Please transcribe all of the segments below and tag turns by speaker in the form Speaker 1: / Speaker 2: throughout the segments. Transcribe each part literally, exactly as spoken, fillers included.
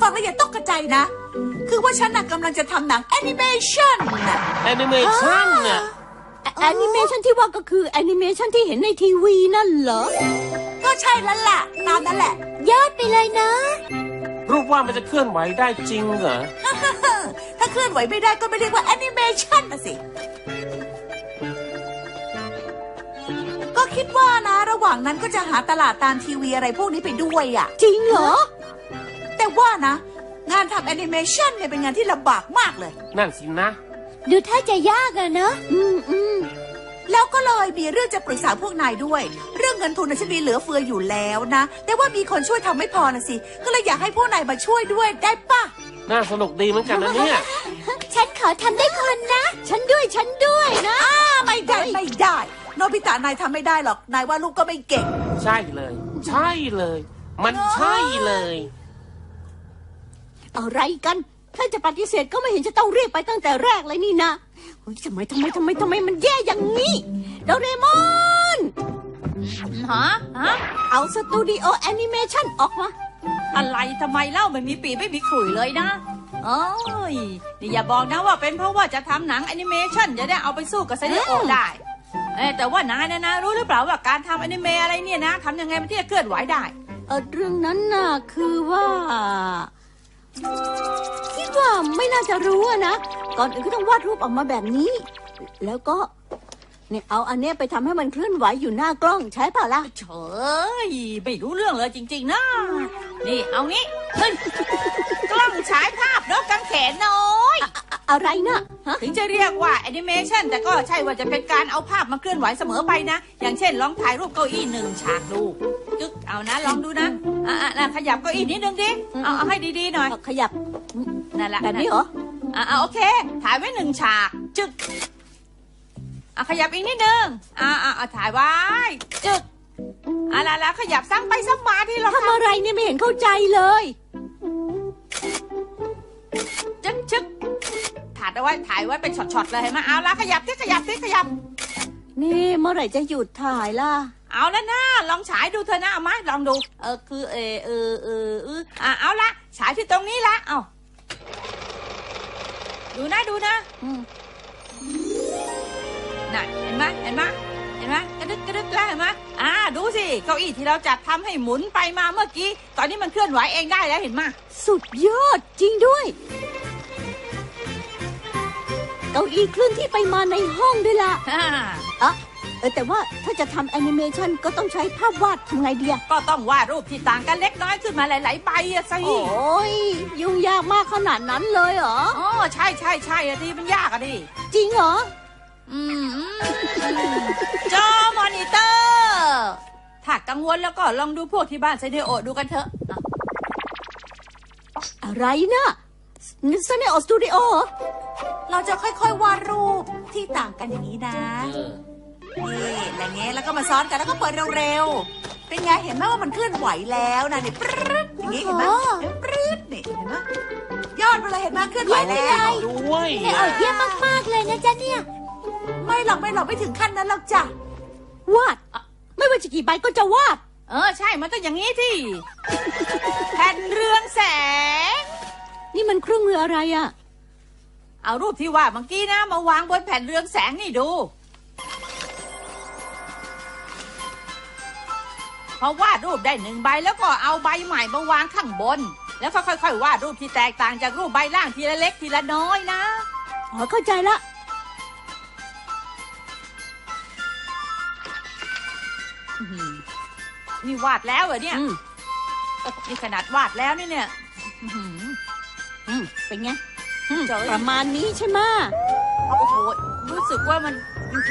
Speaker 1: งแล้วอย่าตกใจนะคือว่าฉันน่ะกำลังจะทำหนังแอนิเมชันน่ะ
Speaker 2: แอนิเมชันน่ะ
Speaker 3: แอนิเมชันที่ว่าก็คือแอนิเมชันที่เห็นในทีวีนั่นเหรอ
Speaker 1: ก็ใช่แล้วล่ะตามนั่นแหละ
Speaker 3: ยอดไปเลยนะ
Speaker 2: รูปวาดมันจะเคลื่อนไหวได้จริงเหรอ
Speaker 1: ถ้าเคลื่อนไหวไม่ได้ก็ไม่เรียกว่าแอนิเมชันนะสิก็คิดว่านะระหว่างนั้นก็จะหาตลาดตามทีวีอะไรพวกนี้ไปด้วยอ่ะ
Speaker 3: จริงเหรอ
Speaker 1: แต่ว่านะงานทำแอนิเมชันเนี่ยเป็นงานที่ลำบากมากเลย
Speaker 2: นั่นสินะ
Speaker 3: ดูท่าจะยากอะเนอะอืมอืม
Speaker 1: แล้วก็เลยมีเรื่องจะปรึกษาพวกนายด้วยเรื่องเงินทุนฉันมีเหลือเฟืออยู่แล้วนะแต่ว่ามีคนช่วยทำไม่พอนะสิก็เลยอยากให้พวกนายมาช่วยด้วยได้ปะ
Speaker 2: น่าสนุกดีเหมือนกันนะเนี่ย
Speaker 3: ฉันขอทำได้คนนะฉันด้วยฉันด้วยนะ
Speaker 1: อ้าไม่ได้ไม่ได้โนบิตะนายทำไม่ได้หรอกนายว่าลูกก็ไม่เก่ง
Speaker 2: ใช่เลยใช่เลยมันใช่เลย
Speaker 3: อะไรกันถ้าจะปฏิเสธก็ไม่เห็นจะต้องเรียกไปตั้งแต่แรกเลยนี่นะทำไมทำไมทำไมทำไมมันแย่อย่างนี้โดเรมอน
Speaker 4: ฮะฮะ
Speaker 3: เอาสตูดิโอแอนิเมชันออกมา
Speaker 4: อะไรทำไมเล่าไม่มีปีไม่มีขลุ่ยเลยนะเอ้ยนี่อย่าบอกนะว่าเป็นเพราะว่าจะทำหนังแอนิเมชันจะได้เอาไปสู้กับเซเนโอได้เออแต่ว่านายนะนะรู้หรือเปล่าว่าการทำแอนิเมะอะไรเนี่ยนะทำยังไงมันที่จะเคลื่อนไหวได้
Speaker 3: เออเรื่องนั้นน่ะคือว่าคิดว่าไม่น่าจะรู้นะก่อนอื่นก็ต้องวาดรูปออกมาแบบนี้แล้วก็เนี่ยเอาอันเนี้ยไปทำให้มันเคลื่อนไหวอยู่หน้ากล้องใช่ป่ะล่ะ
Speaker 4: เฉยไม่รู้เรื่องเลยจริงๆนะนี่เอางี้ขึ้นกล้องฉายภาพนกกางเขนน้อย
Speaker 3: อะไรนะ
Speaker 4: ถึงจะเรียกว่าแอนิเมชันแต่ก็ใช่ว่าจะเป็นการเอาภาพมาเคลื่อนไหวเสมอไปนะอย่างเช่นลองถ่ายรูปเก้าอี้หนึ่งฉากดูจึ๊กเอานะลองดูนะอ่ะๆขยับเก้าอี้นิดนึงดิเอาเอาให้ดีๆหน่อย
Speaker 3: ขยับ
Speaker 4: นั่นแหละ
Speaker 3: แบบนี้เหรอ
Speaker 4: อ่ะโอเคถ่ายไว้หนึ่งฉากจึ๊กอ่ะขยับอีกนิดนึงอ่ะอ่ะถ่ายไว้จึ๊กอ่ะแล้วขยับซ้ำไปซ้ำมาที่เรา
Speaker 3: ทำอะไรเนี่ยไม่เห็นเข้าใจเลย
Speaker 4: จึ๊กจึ๊กถ่ายเอาไว้ถ่ายไว้เป็นช็อตๆเลยเห็นไหมเอาละขยับที่ขยับที่ขยับ
Speaker 3: นี่เมื่อไหร่จะหยุดถ่ายล่ะ
Speaker 4: เอาแล้วนะลองฉายดูเธอนะเอามาลองดูเออคือเออเออเออเอออ่ะเอาละฉายที่ตรงนี้ละเอาดูนะดูนะน่ะเห็นไหมเห็นไหมเห็นไหมกระดึกกระดึกแล้วเห็นไหมอ่าดูสิเก้าอี้ที่เราจัดทำให้หมุนไปมาเมื่อกี้ตอนนี้มันเคลื่อนไหวเองได้แล้วเห็นไหม
Speaker 3: สุดยอดจริงด้วยเก้าอี้เคลื่อนที่ไปมาในห้องด้วยล่ะอ่ะเออแต่ว่าถ้าจะทำแอนิเมชันก็ต้องใช้ภาพวาดทำไงดีอะ
Speaker 4: ก็ต้องวาดรูปที่ต่างกันเล็กน้อยขึ้นมาหลายๆใบอะสิ
Speaker 3: โอ้ยยุ่งยากมากขนาดนั้นเลยเหรอ
Speaker 4: อ๋อใช่ใช่ใช่อะดิมันยากอะดิ
Speaker 3: จริงเหรอ
Speaker 4: อืมจอมอนิเตอร์ถ้ากังวลแล้วก็ลองดูพวกที่บ้านไซเนโอดูกันเถอะ
Speaker 3: อะไรนะไซเนโอสตูดิโอ
Speaker 1: เราจะค่อยๆวาดรูปที่ต่างกันอย่างนี้นะนี่อะไรเงี้ยแล้วก็มาซ้อนกันแล้วก็เปิดเร็วๆเป็นไงเห็นไหมว่ามันเคลื่อนไหวแล้วนะนี่ปรึ๊ดอย่างนี้เห็นไหมปรึ๊ดนี่เห็นไหมยอดไปเลยเห็นไหมเคลื่อนไหวแล้ว
Speaker 2: ด้วย
Speaker 3: เนี่ยเยี่ยมมากๆเลยนะจ๊ะเนี่ย
Speaker 1: ไม่หรอกไม่หรอกไม่ถึงขั้นนั้นหรอกจ้ะ
Speaker 3: วาดไม่ว่าจะกี่ใบก็จะวาด
Speaker 4: เออใช่มันต้องอย่างนี้ที่แผ่นเรืองแสง
Speaker 3: นี่มันเครื่องมืออะไรอะ
Speaker 4: เอารูปที่วาดเมื่อกี้นะมาวางบนแผ่นเรืองแสงนี่ดูพอวาดรูปได้หนึ่งใบแล้วก็เอาใบใหม่มาวางข้างบนแล้วก็ค่อยๆวาดรูปที่แตกต่างจากรูปใบล่างทีละเล็กทีละน้อยนะ
Speaker 3: อ๋อเข้าใจละ
Speaker 4: นี่วาดแล้วเหรอเนี่ยนี่ขนาดวาดแล้วนี่เนี่ย
Speaker 3: เป็นไงประมาณนี้ใช่ไหม
Speaker 4: โอ้โหรู้สึกว่ามัน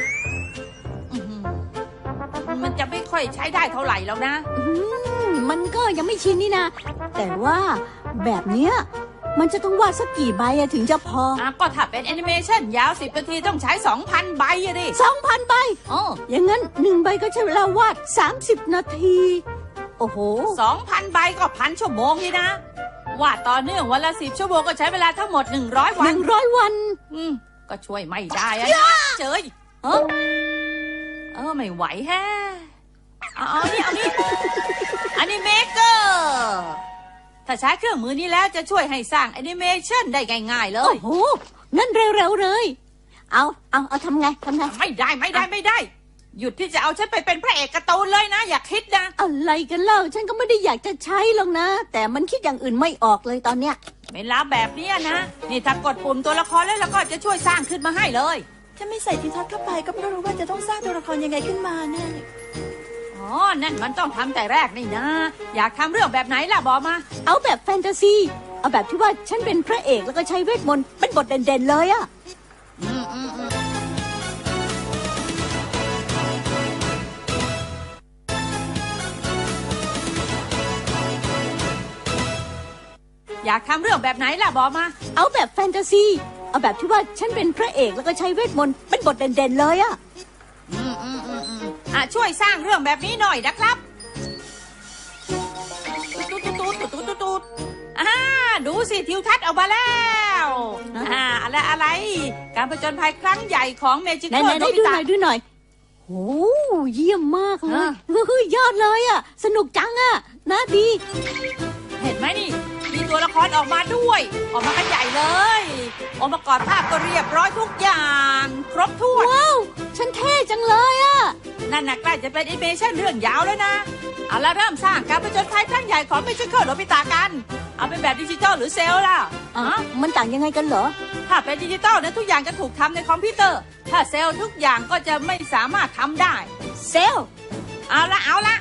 Speaker 4: มันจะไม่ค่อยใช้ได้เท่าไหร่แล้วนะ
Speaker 3: มันก็ยังไม่ชินนี่นะแต่ว่าแบบเนี้ยมันจะต้องวาดสักกี่ใบถึงจะพอ
Speaker 4: อ่ะก็ถ้าเป็นแอนิเมชันยาวสิบนาทีต้องใช้ สองพัน ใบอะดิ
Speaker 3: สองพัน ใบ
Speaker 4: อ๋อ
Speaker 3: อย่างงั้นหนึ่งใบก็ใช้เวลาวาดสามสิบนาทีโอ้โห
Speaker 4: สองพัน ใบก็พันชั่วโมงนี่นะวาดต่อเนื่องวันละสิบชั่วโมงก็ใช้เวลาทั้งหมดหนึ่งร้อยวัน
Speaker 3: หนึ่งร้อยวัน
Speaker 4: อืมก็ช่วยไม่ได้อะเจยเออเออไม่ไหวแฮะเอาเอานี่เอานี่อันนี้เมเกอร์ถ้าใช้เครื่องมือนี้แล้วจะช่วยให้สร้างแอนิเมชันได้ง่ายๆเล
Speaker 3: โอ้
Speaker 4: ย
Speaker 3: โหงั้นเร็วๆเลย เอาเอาเอาทำไงทำไง
Speaker 4: ไม่ได้ไม่ได้ไม่ได้ หยุดที่จะเอาฉันไปเป็นพระเอกการ์ตูนเลยนะ อย่าคิดนะ
Speaker 3: อะไรกันเล่าฉันก็ไม่ได้อยากจะใช้หรอกนะ แต่มันคิดอย่างอื่นไม่ออกเลยตอนเนี้ย
Speaker 4: เวลาแบบเนี้ยนะ นี่ถ้ากดปุ่มตัวละครแล้วแล้วก็จะช่วยสร้างขึ้นมาให้เลย
Speaker 1: ถ้าไม่ใส่ทินทัศน์เข้าไปก็ไม่รู้ว่าจะต้องสร้างตัวละครยังไงขึ้นมาแน่เลย
Speaker 4: อ๋อ นั่นมันต้องทำแต่แรกนี่นะ อยากทำเรื่องแบบไหนล่ะบอกมา
Speaker 3: เอาแบบแฟนตาซีเอาแบบที่ว่าฉันเป็นพระเอกแล้วก็ใช้เวทมนต์เป็นบทเด่นๆเลยอะ
Speaker 4: อืมอืมอืมอยากทำเรื่องแบบไหนล่ะบอกมา
Speaker 3: เอาแบบแฟนตาซีเอาแบบที่ว่าฉันเป็นพระเอกแล้วก็ใช้เวทมนต์เป็นบทเด่นๆเลยอะ
Speaker 4: อืมอืมอืมอืมอ่ะช่วยสร้างเรื่องแบบนี้หน่อยนะครับตุ๊ดตุ๊ดตุ๊ดตุ๊ดตุ๊ดตุ๊ดตุ๊ดอ่าดูสิทิวทัศน์ออกมาแล้วอ่าอะไรอะไร การผจญภัยครั้งใหญ่ของเมจิ
Speaker 3: ไหน
Speaker 4: เคิล
Speaker 3: ๆ
Speaker 4: โน
Speaker 3: ได้
Speaker 4: บิ
Speaker 3: ดูห
Speaker 4: ตะ
Speaker 3: น่อยดูหน่อยโอ้เยี่ยมมากเลย
Speaker 4: อ่ะ
Speaker 3: เฮ้ยยอดเลยอะสนุกจังอะนะดี
Speaker 4: เห็นไหมนี่ มีตัวละครออกมาด้วย ออกมากันใหญ่เลยองค์ประกอบภาพก็เรียบร้อยทุกอย่าง ครบถ้วน
Speaker 3: ว้าวฉันเท่จังเลยอะ
Speaker 4: นั่นน่ะใกล้จะเป็นแอนิเมชั่นเรื่องยาวแล้วนะ เอาละเริ่มสร้างการผจญภัยครั้งใหญ่ของเมจิเคิลโนบิตะกัน เอาเป็นแบบดิจิตอลหรือเซลล์ล่ะ
Speaker 3: อ่ะ
Speaker 4: อ๋อ
Speaker 3: มันต่างยังไงกันเหรอ
Speaker 4: ถ้าเป็นดิจิตอลเนี่ยทุกอย่างจะถูกทำในคอมพิวเตอร์ ถ้าเซลล์ทุกอย่างก็จะไม่สามารถทำได้
Speaker 3: เซลล์
Speaker 4: เอาละเอาละ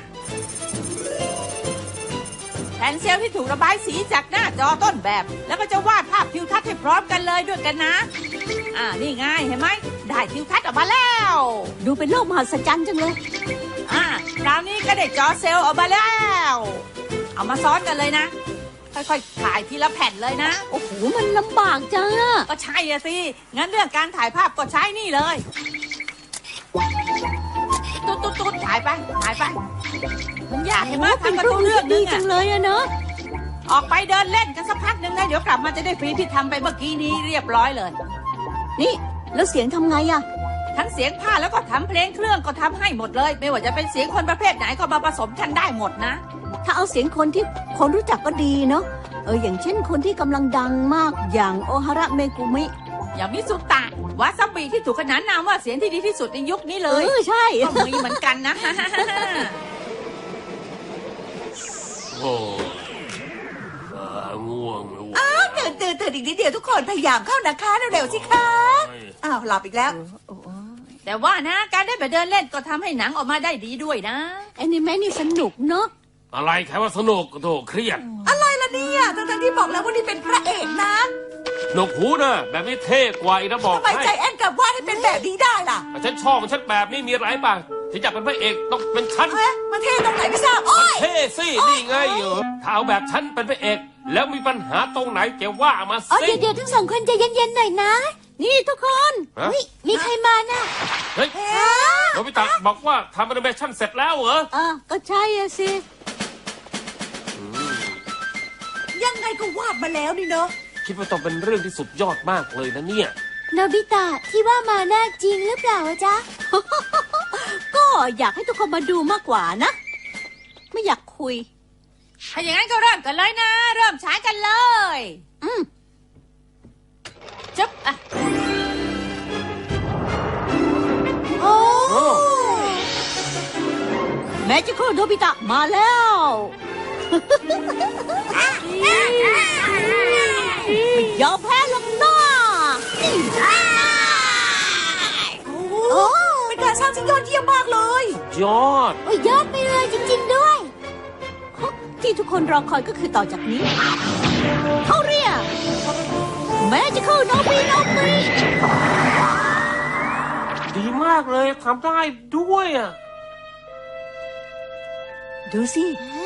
Speaker 4: แผ่นเซลล์ที่ถูกระบายสีจากหน้าจอต้นแบบ แล้วก็จะวาดภาพทิวทัศน์ให้พร้อมกันเลยด้วยกันนะ อ่านี่ไงเห็นไหมได้ทิวทัศน์ออกมาแล้ว
Speaker 3: ดูเป็นโลกมหัศจรรย์จังเลย
Speaker 4: อ่าคราวนี้ก็ได้จอเซลล์ออกมาแล้ว เอามาซ้อนกันเลยนะ ค่อยๆถ่ายทีละแผ่นเลยนะ
Speaker 3: โอ้โหมันลำบากจังอะ
Speaker 4: ก็ใช่อะสิ งั้นเรื่องการถ่ายภาพก็ใช้นี่เลย ตุ๊ดตุ๊ดตุ๊ดถ่ายไป ถ่ายไป มันยากเห็นไหม
Speaker 3: โอ้เป็น
Speaker 4: ทำกัน
Speaker 3: เรื่
Speaker 4: ทุ
Speaker 3: อง
Speaker 4: กเรื่อง
Speaker 3: ที่
Speaker 4: นึ
Speaker 3: ดี
Speaker 4: ง
Speaker 3: จั
Speaker 4: อะ
Speaker 3: งเลยอะเนอะ
Speaker 4: ออกไปเดินเล่นกันสักพักหนึ่งนะ เดี๋ยวกลับมาจะได้ฟรีที่ทำไปเมื่อกี้นี้เรียบร้อยเลย
Speaker 3: นี่แล้วเสียงทำไงอะ
Speaker 4: ทั้งเสียงผ้าแล้วก็ทำเพลงเครื่องก็ทำให้หมดเลย ไม่ว่าจะเป็นเสียงคนประเภทไหนก็มาผสมกันได้หมดนะ
Speaker 3: ถ้าเอาเสียงคนที่คนรู้จักก็ดีเนาะเอออย่างเช่นคนที่กำลังดังมากอย่างโอฮาระเมกุมิ
Speaker 4: อย่างมิสุตะวาซาบิที่ถูกขนานนามว่าเสียงที่ดีที่สุดในยุคนี้เล
Speaker 3: เอย อใช่
Speaker 4: ก็มีเหมือนกันนะ
Speaker 2: โอ้อ่าง่วงแล้ว
Speaker 1: อ้าวตื่นตื่นตื่นอีกนิดเดียวทุกคนพยายามเข้านะคะเร็วๆสิคะอ้าวหลับอีกแล้ว
Speaker 4: แต่ว่านะ การได้ไปเดินเล่นก็ทำให้หนังออกมาได้ดีด้วยนะ
Speaker 3: แอนิเมะนี่สนุกเนาะ
Speaker 2: อะไรใครว่าสนุกโถเครียด
Speaker 1: อะไรล่ะเนี่ยทั้งๆที่บอกแล้วว่านี่เป็นพระเอกนะ
Speaker 2: หนวกหูนะแบบนี้เท่กว่าอีกนะบอก
Speaker 1: ทำไม
Speaker 2: ให้
Speaker 1: ใจแอนกลับวาดให้เป็นแบบนี้ได้ล่ะ
Speaker 2: ฉันชอบของฉันแบบนี้มีอะไรบ้างที่อยากเป็นพระเอกต้องเป็นฉัน
Speaker 1: เอ๊ะมันเท่ตรงไหนไม่ทราบโอ้ย
Speaker 2: เท่สินี่ไงเออถ้าเอาแบบฉันเป็นพระเอก แล้วมีปัญหาตรงไหนแกว่ามา
Speaker 3: อ๋อ
Speaker 2: สิ
Speaker 3: เดี๋ยวเดี๋ยวทั้งสองคนใจเย็นๆหน่อยนะ นี่ทุกคน
Speaker 2: ฮะ
Speaker 3: นี่มีใครมาน่ะ
Speaker 2: เฮ้ยโนบิตะบอกว่าทำแอนิเมชั่นเสร็จแล้วเหรอ
Speaker 3: อ่ะก็ใช่อะสิ
Speaker 1: ยังไงก็วาดมาแล้วนี่เนาะ
Speaker 2: คิดว่าต้องเป็นเรื่องที่สุดยอดมากเลยนะเนี่ย
Speaker 3: โนบิตะที่ว่ามาน่าจริงหรือเปล่าจ๊ะ ก็อยากให้ทุกคนมาดูมากกว่านะ ไม่อยากคุย
Speaker 4: ถ้าอย่างนั้นก็เริ่มกันเลยนะ เริ่มฉายกันเลย
Speaker 3: อืม
Speaker 4: จึ๊บอ่ะ
Speaker 1: โอ้
Speaker 2: โอ้
Speaker 3: แมจิคอลโนบิตะมาแล้วไม่ยอมแพ้หรอกนะนี่
Speaker 1: โอ้เป็นการสร้างที่ยอดเยี่ยมมากเลย
Speaker 2: ยอด
Speaker 3: โอ้ยยอดไปเลยจริง ๆ ด้วย ที่ทุกคนรอคอยก็คือต่อจากนี้ เขาเรียกแมจิคอลโนบิโนบิ
Speaker 2: ดีมากเลยทำได้ด้วยอ่ะ
Speaker 3: ดูสิ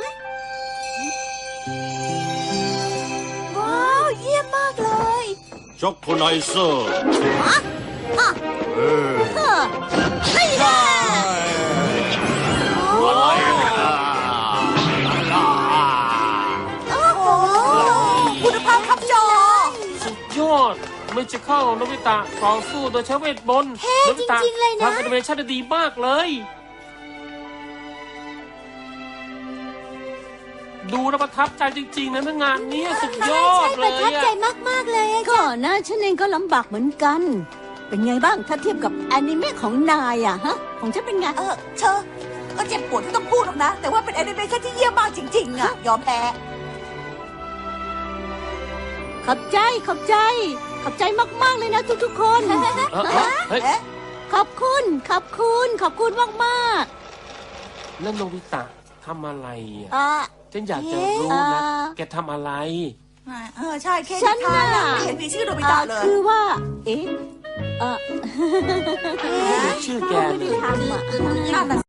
Speaker 1: ว้าวเยี่ยมมากเลย
Speaker 5: ช็อกโกไนเซอร์
Speaker 3: อ่ะ
Speaker 5: เออ
Speaker 3: เออนี่แหละ
Speaker 5: อะไรอ่ะ
Speaker 1: โอ้โหคุณภาพครับจอ
Speaker 2: สุดยอดไม่จะเข้าโนบิตะต่อสู้โดยใช้เวทมนต์
Speaker 3: เท่
Speaker 2: โนบิตะ
Speaker 3: จริงๆเลยนะ
Speaker 2: ทำแอนิเมชั่นได้ดีมากเลยดูแล้วประทับใจจริงๆนะทั้งงานเนี้ยสุดยอดเล
Speaker 3: ประ
Speaker 2: ย
Speaker 3: ทับใจ
Speaker 2: อะ
Speaker 3: มากๆเลยก็นะฉันเองก็ลำบากเหมือนกัน เป็นไงบ้างถ้าเทียบกับแอนิเมะของนายอะฮะ ของฉันเป็นไง
Speaker 1: เออเชอก็เจ็บปวดที่ต้องพูดหรอกนะ แต่ว่าเป็นแอนิเมชันที่เยี่ยมมากจริงๆอ่ะ ยอมแพ้
Speaker 3: ขอบใจขอบใจ ขอบใจมากๆเลยนะทุกๆคน
Speaker 2: เออเออเฮ้ย
Speaker 1: เอ๊ะ
Speaker 3: ขอบคุณขอบคุณขอบคุณมาก
Speaker 2: แล้วโนบิตะทำอะไร
Speaker 3: ๆ
Speaker 2: อ่ะ
Speaker 3: อ่า
Speaker 2: ฉันอยากจะรู้นะ
Speaker 3: เอ่อ
Speaker 2: แกทำอะไร
Speaker 1: เออใช่แค่
Speaker 3: ฉั
Speaker 1: นิ
Speaker 3: น
Speaker 1: ทาน
Speaker 3: น่ะ
Speaker 1: อะไม่เห็นมีชื่อโนบิตะเลย
Speaker 3: คือว่า เอ๊ะเออ
Speaker 2: ชื่อแก
Speaker 3: ไม่
Speaker 2: เล
Speaker 3: ได้
Speaker 2: ย
Speaker 3: ทำอ่ะ
Speaker 1: นั่นน่ะ